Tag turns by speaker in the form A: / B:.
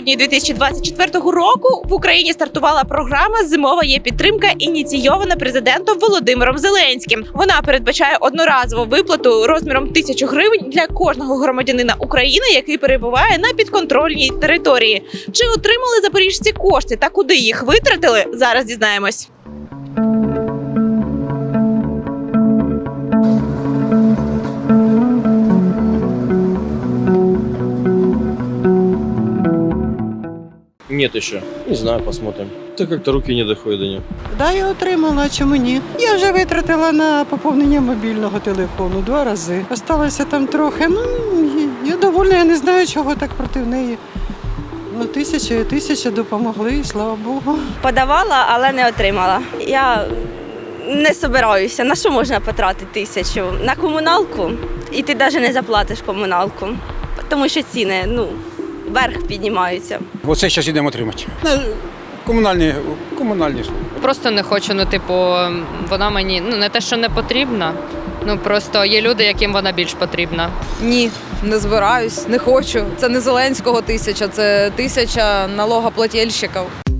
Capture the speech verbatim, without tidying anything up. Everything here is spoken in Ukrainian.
A: грудні дві тисячі двадцять четвертого року в Україні стартувала програма «Зимова є підтримка», ініційована президентом Володимиром Зеленським. Вона передбачає одноразову виплату розміром тисячу гривень для кожного громадянина України, який перебуває на підконтрольній території. Чи отримали запоріжці кошти та куди їх витратили? Зараз дізнаємось.
B: Нет еще. Не знаю, посмотрим. Так как-то руки не доходят до нее.
C: Да, я отримала, а чому ні? Я вже витратила на поповнення мобільного телефону два рази. Осталося там трохи. Ну, я довольна, я не знаю, чого так проти неї. Ну, тисяча і тисяча допомогли, слава Богу.
D: Подавала, але не отримала. Я не собираюся. На що можна потратити тисячу? На комуналку? І ти навіть не заплатиш комуналку, тому що ціни, ну, вверх піднімаються.
E: Оце зараз йдемо отримати. На комунальні, комунальні служби.
F: Просто не хочу, ну, типу, вона мені, ну, не те, що не потрібна, ну, просто є люди, яким вона більш потрібна.
G: Ні, не збираюсь, не хочу. Це не Зеленського тисяча, це тисяча налогоплательщиків.